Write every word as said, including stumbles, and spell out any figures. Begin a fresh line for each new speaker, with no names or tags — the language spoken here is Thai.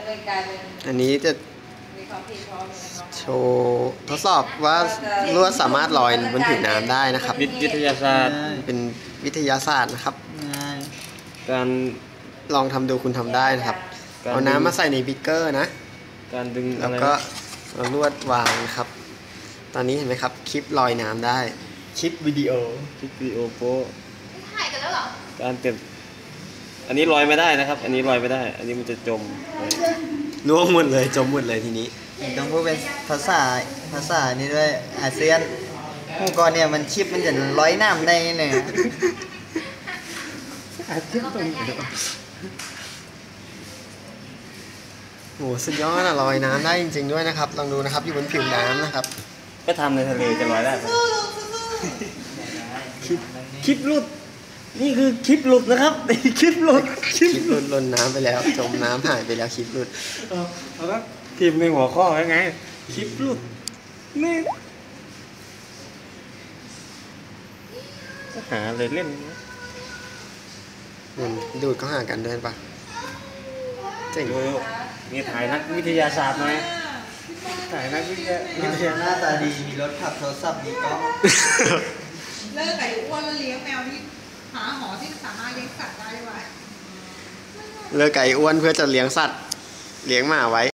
เลยกลายเป็น
อันนี้จะ
มีความผิดพร้อม
โชว์ทดสอบว่าลวดสามารถลอยบนผิวน้ำได้นะครับ
วิทยาศาสตร์
เป็นวิทยาศาสตร์นะครับ
การ
ลองทำดูคุณทำได้นะครับเอาน้ำมาใส่ในบิ๊กเกอร์นะ
การดึง
แล้วก็เอาลวดวางนะครับ ตอนนี้เห็นไหมครับคลิปลอยน้ำได้คลิปวิดีโอ
คลิปวิดีโอโป๊
ถ่ายกันแล้วเหรอ
การเก็บอันนี้ลอยไม่ได้นะครับ อันนี้ลอยไม่ได้ อันนี้มันจะจม
ล่วงหมดเลยจมหมดเลยทีนี้
ต้องพูดเป็นภาษาภาษานี้ด้วยอาเซียนหมู่ก่อนเนี่ยมันชิปมันจะลอยน้ำได้เนี่ย
อาเซียนตรงนี้โหสุดยอดอะลอยน้ำได้จริงๆด้วยนะครับลองดูนะครับอยู่บนผิวน้ำนะครับ
ก็ทำในทะเลจะลอยได้คลิปคลิปหลุดนี่คือคลิปหลุดนะครับคลิปหลุด
คลิปหลุดลนน้ำไปแล้วจมน้ำหายไปแล้วคลิปหลุด
เออแล้วทีมในหัวข้อยังไงคลิปหลุดนี่หาเลยเล่น
ดูดเขาหากันด้วยปะเจ๋ง
มีถ่ายนักวิทยาศาสตร์ไหมถ่ายนักวิทยาวิทยา
หน้าตาดีมีรถขับโทรศัพท์มีกล้อง
เลิกไก่อ้วนแล้วเลี้ยงแมวที่หาหอที่สามารถเลี้ยงสัตว์ได้ไว้
เลิกไก่อ้วนเพื่อจะเลี้ยงสัตว์เลี้ยงหมาไว้